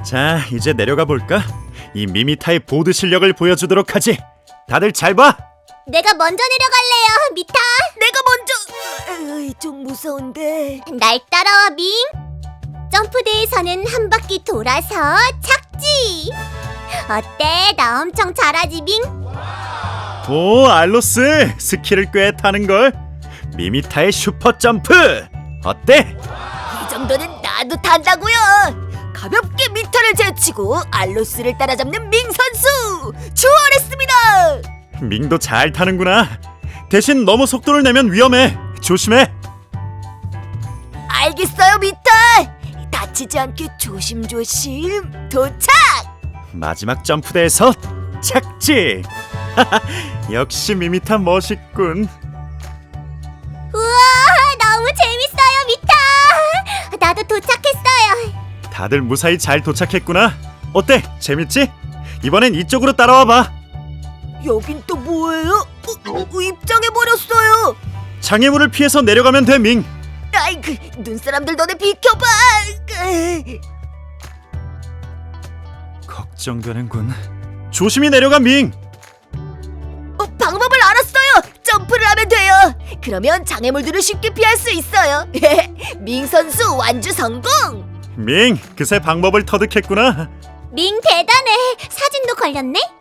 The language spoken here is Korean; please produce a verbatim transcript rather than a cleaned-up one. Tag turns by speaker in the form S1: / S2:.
S1: 자, 이제 내려가 볼까? 이 미미타의 보드 실력을 보여주도록 하지. 다들 잘 봐.
S2: 내가 먼저 내려갈래요, 미타.
S3: 내가 먼저. 으이, 좀 무서운데.
S2: 날 따라와, 밍. 점프대에서는 한 바퀴 돌아서 착지. 어때? 나 엄청 잘하지, 밍?
S1: 오, 알로스 스킬을 꽤 타는걸. 미미타의 슈퍼 점프 어때?
S3: 이 정도는 나도 탄다고요. 가볍게 미터를 제치고 알로스를 따라잡는 밍 선수 추월했습니다.
S1: 밍도 잘 타는구나. 대신 너무 속도를 내면 위험해. 조심해.
S3: 알겠어요, 미터. 다치지 않게 조심조심 도착.
S1: 마지막 점프대에서 착지. 역시 미미타 멋있군.
S2: 우와, 너무 재밌어요, 미타. 나도 도착했어요.
S1: 다들 무사히 잘 도착했구나. 어때? 재밌지? 이번엔 이쪽으로 따라와봐.
S3: 여긴 또 뭐예요? 어, 어, 입장해버렸어요.
S1: 장애물을 피해서 내려가면 돼, 밍.
S3: 아이고, 눈사람들 너네 비켜봐. 으이.
S1: 걱정되는군. 조심히 내려가, 밍.
S3: 어, 방법을 알았어요. 점프를 하면 돼요. 그러면 장애물들을 쉽게 피할 수 있어요. 밍 선수 완주 성공.
S1: 밍, 그새 방법을 터득했구나.
S2: 밍 대단해. 사진도 걸렸네.